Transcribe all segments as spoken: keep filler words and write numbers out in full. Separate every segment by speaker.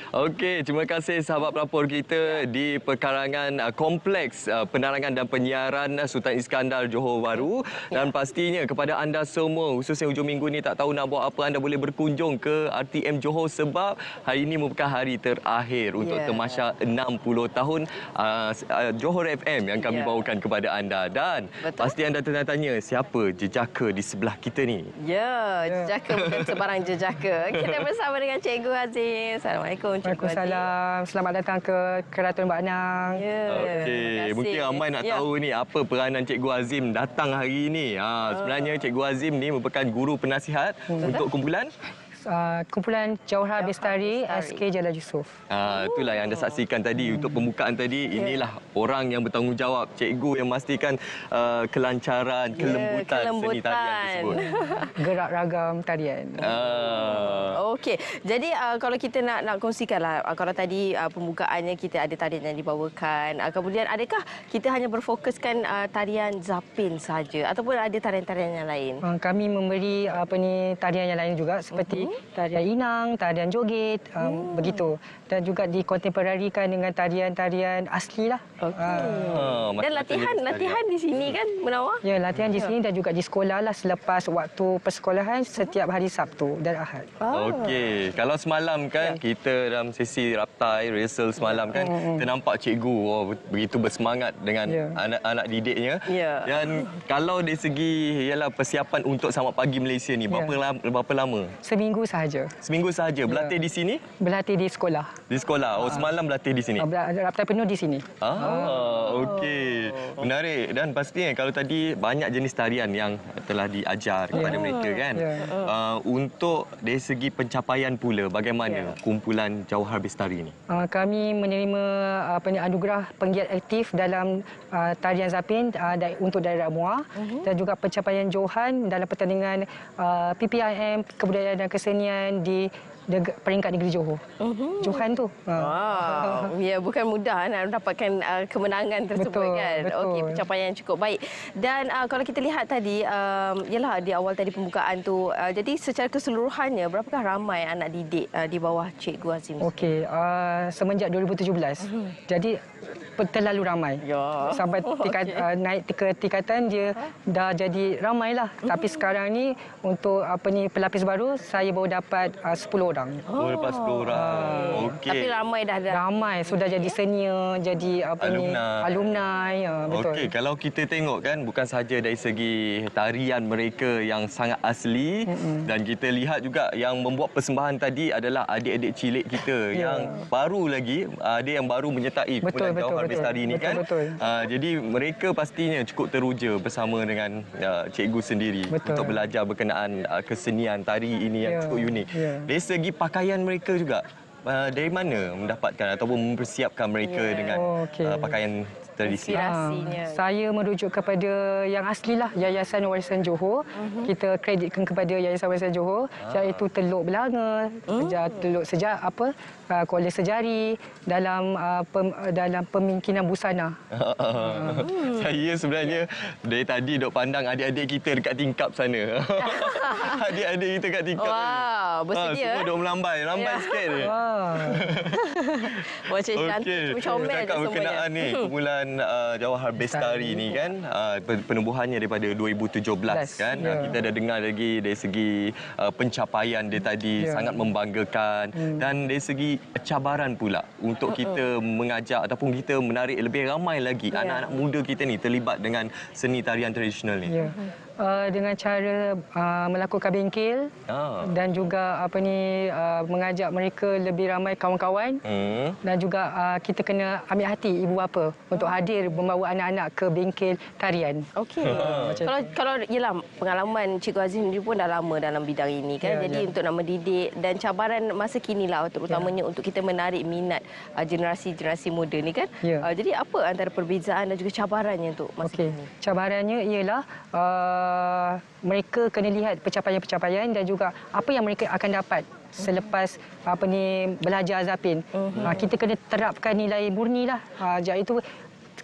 Speaker 1: Okey, terima kasih sahabat pelapor kita di perkarangan uh, Kompleks uh, Penerangan dan Penyiaran uh, Sultan Iskandar Johor Bahru. Dan pastinya kepada anda semua, khususnya hujung minggu ni tak tahu nak buat apa, anda boleh berkunjung ke R T M Johor sebab hari ini merupakan hari terakhir untuk
Speaker 2: yeah.
Speaker 1: tamasya enam puluh tahun uh, Johor F M yang kami yeah. bawakan kepada anda. Dan Betul? pasti anda tanya-tanya siapa jejaka di sebelah kita ni.
Speaker 2: Ya, yeah, jejaka bukan sebarang jejaka. Kita bersama dengan Cikgu Azim. Assalamualaikum.
Speaker 3: Waalaikumsalam. Selamat datang ke Keraton Bak Nang.
Speaker 2: Ya.
Speaker 1: Okey, mungkin ramai nak
Speaker 2: ya.
Speaker 1: tahu ni apa peranan Cikgu Azim datang hari ini. Ha, sebenarnya Cikgu Azim ni merupakan guru penasihat hmm. untuk kumpulan
Speaker 3: Uh, kumpulan Jauhar Bestari S K Jalal Yusof.
Speaker 1: Ah, itulah yang anda saksikan tadi hmm. untuk pembukaan tadi. Inilah yeah. orang yang bertanggungjawab, cikgu yang memastikan uh, kelancaran, yeah, kelembutan,
Speaker 2: kelembutan
Speaker 1: seni tarian tersebut.
Speaker 3: Gerak ragam tarian.
Speaker 1: Ah.
Speaker 2: Okey. Jadi uh, kalau kita nak nak kongsikanlah uh, kalau tadi uh, pembukaannya kita ada tarian yang dibawakan. Uh, kemudian adakah kita hanya berfokuskan uh, tarian zapin saja ataupun ada tarian-tarian yang lain?
Speaker 3: Uh, kami memberi apa ni tarian yang lain juga seperti uh-huh. tarian inang, tarian joget, um, hmm. begitu. Dan juga dikontemporarikan dengan tarian-tarian asli lah.
Speaker 2: Okay. Uh. Dan latihan latihan di sini kan, Munawar?
Speaker 3: Ya, latihan di sini dan juga di sekolah lah selepas waktu persekolahan setiap hari Sabtu dan Ahad.
Speaker 1: Oh. Okey, kalau semalam kan ya. kita dalam sesi raptai, rehearsal semalam kan, hmm. kita nampak cikgu oh, begitu bersemangat dengan ya. anak-anak didiknya.
Speaker 2: Ya.
Speaker 1: Dan kalau dari segi ialah persiapan untuk Selamat Pagi Malaysia ni, berapa,
Speaker 3: ya.
Speaker 1: lama, berapa lama?
Speaker 3: Seminggu sahaja.
Speaker 1: Seminggu sahaja. Berlatih ya. di sini?
Speaker 3: Berlatih di sekolah.
Speaker 1: Di sekolah. Oh, semalam berlatih di sini.
Speaker 3: Raptai penuh di sini.
Speaker 1: Ah, oh. okey. Menarik. Dan pastinya kalau tadi banyak jenis tarian yang telah diajar kepada yeah. mereka kan. Yeah. Uh, untuk dari segi pencapaian pula, bagaimana yeah. kumpulan Jauhar Bestari ini?
Speaker 3: Uh, kami menerima apa ni anugerah penggiat aktif dalam uh, tarian zapin uh, untuk daerah Muar uh-huh. dan juga pencapaian Johan dalam pertandingan uh, P P I M Kebudayaan dan Kesenian di peringkat negeri Johor. Uh-huh. Johan tu.
Speaker 2: Wow. Ya, bukan mudah nak mendapatkan uh, kemenangan tersebut
Speaker 3: betul,
Speaker 2: kan. Okey, pencapaian yang cukup baik. Dan uh, kalau kita lihat tadi um, yalah di awal tadi pembukaan tu uh, jadi secara keseluruhannya berapakah ramai anak didik uh, di bawah Cikgu Azim?
Speaker 3: Okey, uh, semenjak dua ribu tujuh belas. Uh-huh. Jadi terlalu ramai. Ya. Sampai tikat, okay. uh, naik ke tingkatan dia huh? dah jadi ramailah. Uh-huh. Tapi sekarang ni untuk apa ni pelapis baru saya baru dapat uh, sepuluh orang.
Speaker 1: Oh, dapat sepuluh orang. Okey.
Speaker 2: Tapi ramai dah dah.
Speaker 3: Ramai sudah jadi senior, jadi apa
Speaker 1: alumni.
Speaker 3: ni alumni, ya, betul.
Speaker 1: Okey, kalau kita tengok kan bukan saja dari segi tarian mereka yang sangat asli mm-hmm. dan kita lihat juga yang membuat persembahan tadi adalah adik-adik cilik kita yeah. yang baru lagi, ada yang baru menyertai kumpulan Jauhar Bestari ini kan.
Speaker 3: Betul.
Speaker 1: Uh, jadi mereka pastinya cukup teruja bersama dengan uh, cikgu sendiri betul. untuk belajar berkenaan uh, kesenian tari ini yang yeah. cukup unik. Yeah. Dari segi pakaian mereka juga, uh, dari mana mendapatkan ataupun mempersiapkan mereka yeah. dengan oh, okay. uh, pakaian tradisi?
Speaker 2: Inspirasinya.
Speaker 3: Ha, saya merujuk kepada yang aslilah Yayasan Warisan Johor. Uh-huh. Kita kreditkan kepada Yayasan Warisan Johor ah. iaitu Teluk Belanga, uh. Teluk Sejar apa uh, Kuala Sejari dalam uh, pem, dalam pemimpinan busana.
Speaker 1: uh. Saya sebenarnya dari tadi dok pandang adik-adik kita dekat tingkap sana. Adik-adik kita dekat tingkap.
Speaker 2: Wow, bersedia.
Speaker 1: Ha, semua dok melambai, lambai yeah. sikit je. Wow.
Speaker 2: Macam cantik, comel je
Speaker 1: semuanya. Berkenaan ni kumpulan Uh, Jauhar Bestari ni kan uh, penubuhannya daripada dua ribu tujuh belas kan yeah. uh, kita dah dengar lagi dari segi uh, pencapaian dia tadi yeah. sangat membanggakan hmm. dan dari segi cabaran pula untuk kita mengajak ataupun kita menarik lebih ramai lagi yeah. anak-anak muda kita ni terlibat dengan seni tarian tradisional ni.
Speaker 3: Yeah. Uh, dengan cara uh, melakukan bengkel oh. dan juga apa ni uh, mengajak mereka lebih ramai kawan-kawan hmm. dan juga uh, kita kena ambil hati ibu bapa untuk hadir membawa anak-anak ke bengkel tarian.
Speaker 2: Okey. Oh. Kalau kalau ialah pengalaman Cikgu Azim sendiri pun dah lama dalam bidang ini kan. Yeah, Jadi yeah. untuk nak mendidik dan cabaran masa kini lah terutamanya yeah. untuk kita menarik minat uh, generasi-generasi muda ni kan. Yeah. Uh, jadi apa antara perbezaan dan juga cabarannya untuk masa okay. kini?
Speaker 3: Cabarannya ialah uh, Uh, mereka kena lihat pencapaian-pencapaian dan juga apa yang mereka akan dapat selepas apa ni belajar zapin. Uh-huh. Uh, kita kena terapkan nilai murni lah. Uh, jadi itu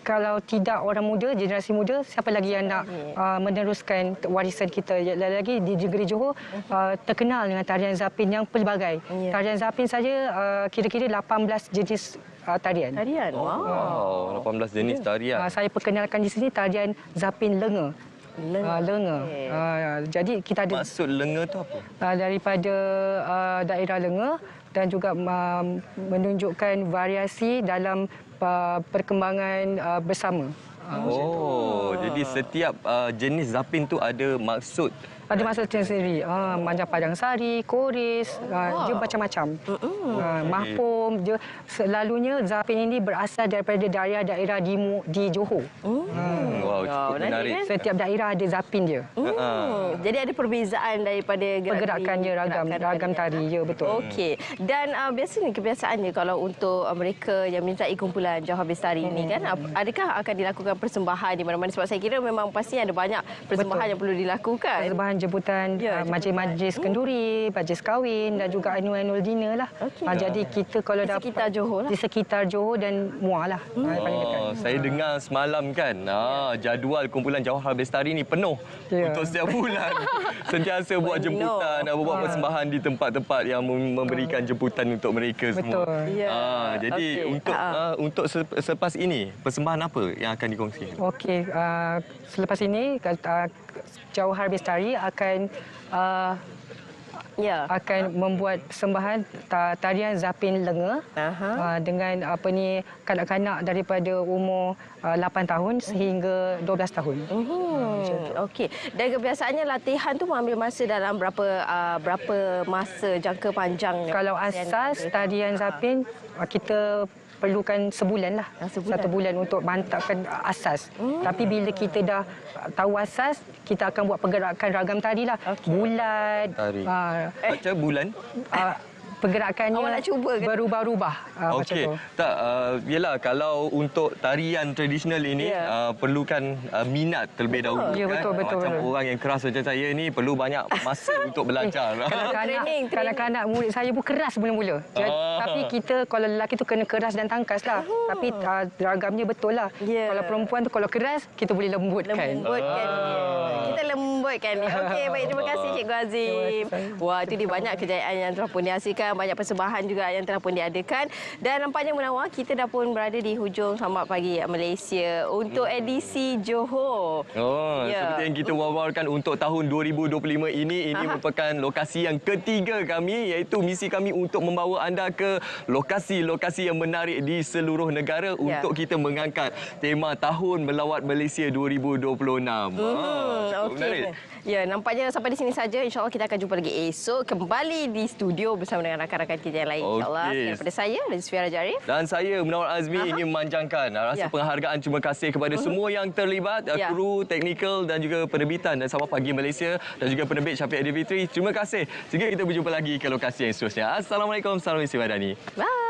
Speaker 3: kalau tidak orang muda, generasi muda, siapa lagi yang nak uh, meneruskan warisan kita? Lagi di negeri Johor uh, terkenal dengan tarian zapin yang pelbagai.
Speaker 2: Ya.
Speaker 3: Tarian zapin saja uh, kira-kira lapan belas jenis uh, tarian.
Speaker 2: Tarian. Wow.
Speaker 1: Wow, lapan belas jenis tarian.
Speaker 3: Uh, saya perkenalkan di sini tarian zapin lenga.
Speaker 2: Lenga.
Speaker 3: Uh, lenga.
Speaker 2: Okey.
Speaker 3: Uh, jadi kita ada
Speaker 1: Maksud lenga tu apa?
Speaker 3: uh, daripada uh, daerah lenga dan juga uh, menunjukkan variasi dalam uh, perkembangan uh, bersama. Uh,
Speaker 1: Oh, jadi setiap uh, jenis zapin tu ada maksud.
Speaker 3: Ada maksud tersendiri. Uh, macam Padang Sari, Koris, uh, dia macam-macam. Uh, mahpum, dia selalunya zapin ini berasal daripada daerah-daerah di, Mu- di Johor.
Speaker 1: Hmm, wow,
Speaker 2: Ya,
Speaker 1: cukup
Speaker 2: menarik,
Speaker 1: menarik.
Speaker 2: kan?
Speaker 3: Setiap daerah ada zapin dia.
Speaker 2: Hmm. Jadi ada perbezaan daripada gerak-
Speaker 3: Pergerakan dia ragam,
Speaker 2: gerakan
Speaker 3: ragam tari, ya betul.
Speaker 2: Okey. Dan uh, biasanya kebiasaannya kalau untuk uh, mereka yang menyertai kumpulan Jauhar Bestari ini kan, ap- adakah akan dilakukan persembahan di mana-mana? Sebab saya kira memang pastinya ada banyak persembahan
Speaker 3: Betul.
Speaker 2: yang perlu dilakukan.
Speaker 3: Persembahan jemputan
Speaker 2: Ya,
Speaker 3: uh, majlis-majlis kenduri, majlis kahwin dan juga annual dinner lah.
Speaker 2: Okey.
Speaker 3: Uh, jadi kita kalau
Speaker 2: Di
Speaker 3: dapat
Speaker 2: sekitar Johor lah.
Speaker 3: di sekitar Johor dan Muar lah. Hmm. Uh, paling dekat.
Speaker 1: Oh, saya dengar semalam kan, ah, jadual kumpulan Jauhar Bestari ni penuh
Speaker 3: Ya.
Speaker 1: untuk setiap bulan. Sentiasa buat
Speaker 2: Well, you know.
Speaker 1: jemputan, ah, buat persembahan di tempat-tempat yang mem- memberikan jemputan untuk mereka semua.
Speaker 3: Betul.
Speaker 2: Ya.
Speaker 1: Ah, jadi
Speaker 2: Okey.
Speaker 1: untuk
Speaker 2: Ah.
Speaker 1: ah, untuk se- selepas ini persembahan apa yang akan dikongsikan?
Speaker 3: Okey, uh, selepas ini uh, Jauhar Bestari akan uh,
Speaker 2: Ya.
Speaker 3: akan membuat persembahan ta- tarian zapin lenga
Speaker 2: Aha.
Speaker 3: uh, dengan apa ni kanak-kanak daripada umur uh, lapan tahun sehingga dua belas tahun.
Speaker 2: Hmm, okey. Dan kebiasaannya latihan tu mengambil masa dalam berapa uh, berapa masa jangka panjang?
Speaker 3: Kalau asas tarian zapin uh, kita perlukan sebulan lah.
Speaker 2: Ah, sebulan.
Speaker 3: Satu bulan untuk mantapkan asas. Hmm. Tapi bila kita dah tahu asas, kita akan buat pergerakan ragam tari lah.
Speaker 2: Okey.
Speaker 3: Bulat.
Speaker 1: Tari.
Speaker 3: Uh,
Speaker 1: Macam bulan?
Speaker 3: uh, pergerakannya
Speaker 2: Awak nak cuba ke?
Speaker 3: berubah-ubah. Uh, macam
Speaker 1: Okey.
Speaker 3: tu.
Speaker 1: Tak, uh, yelah kalau untuk tarian tradisional ini
Speaker 2: Ya.
Speaker 1: uh, perlukan uh, minat terlebih dahulu
Speaker 3: Ya,
Speaker 1: kan.
Speaker 3: betul, betul,
Speaker 1: Macam
Speaker 3: betul.
Speaker 1: orang yang keras macam saya ni perlu banyak masa untuk belajar.
Speaker 3: Kanak-kanak,
Speaker 2: Training, training.
Speaker 3: kanak-kanak murid saya pun keras mula-mula. Jadi,
Speaker 1: Ah.
Speaker 3: Tapi kita kalau lelaki tu kena keras dan tangkas lah. Tapi uh, ragamnya betul lah.
Speaker 2: Ya.
Speaker 3: Kalau perempuan tu kalau keras, kita boleh lembutkan.
Speaker 2: Lembutkan dia. Kita lembutkan dia. Okey, baik. Terima kasih Cikgu Azim. Wah, itu dia banyak kejayaan yang telah pun dihasilkan. Banyak persembahan juga yang telah pun diadakan. Dan nampaknya Munawar, kita dah pun berada di hujung Selamat Pagi Malaysia untuk edisi Johor.
Speaker 1: Oh,
Speaker 2: Ya.
Speaker 1: seperti yang kita wawarkan untuk tahun dua ribu dua puluh lima ini, ini
Speaker 2: Aha.
Speaker 1: merupakan lokasi yang ketiga kami, iaitu misi kami untuk membawa anda ke lokasi-lokasi yang menarik di seluruh negara
Speaker 2: Ya.
Speaker 1: untuk kita mengangkat tema Tahun Melawat Malaysia dua ribu dua puluh enam.
Speaker 2: Hmm,
Speaker 1: Ah, cukup menarik.
Speaker 2: okey. Ya, nampaknya sampai di sini saja. InsyaAllah kita akan jumpa lagi esok kembali di studio bersama dengan rakan-rakan kita yang lain. InsyaAllah.
Speaker 1: Okey.
Speaker 2: Sekian daripada saya dan Sufia Jarif.
Speaker 1: Dan saya, Munawar Azmi,
Speaker 2: Aha.
Speaker 1: ingin memanjangkan rasa
Speaker 2: Ya.
Speaker 1: penghargaan terima kasih kepada semua yang terlibat,
Speaker 2: Ya.
Speaker 1: kru, teknikal dan juga penerbitan dan Selamat Pagi Malaysia dan juga penerbit Syafiq Aidilfitri. Terima kasih. Sehingga kita berjumpa lagi ke lokasi yang seterusnya. Assalamualaikum. Salam isi badani.
Speaker 2: Bye.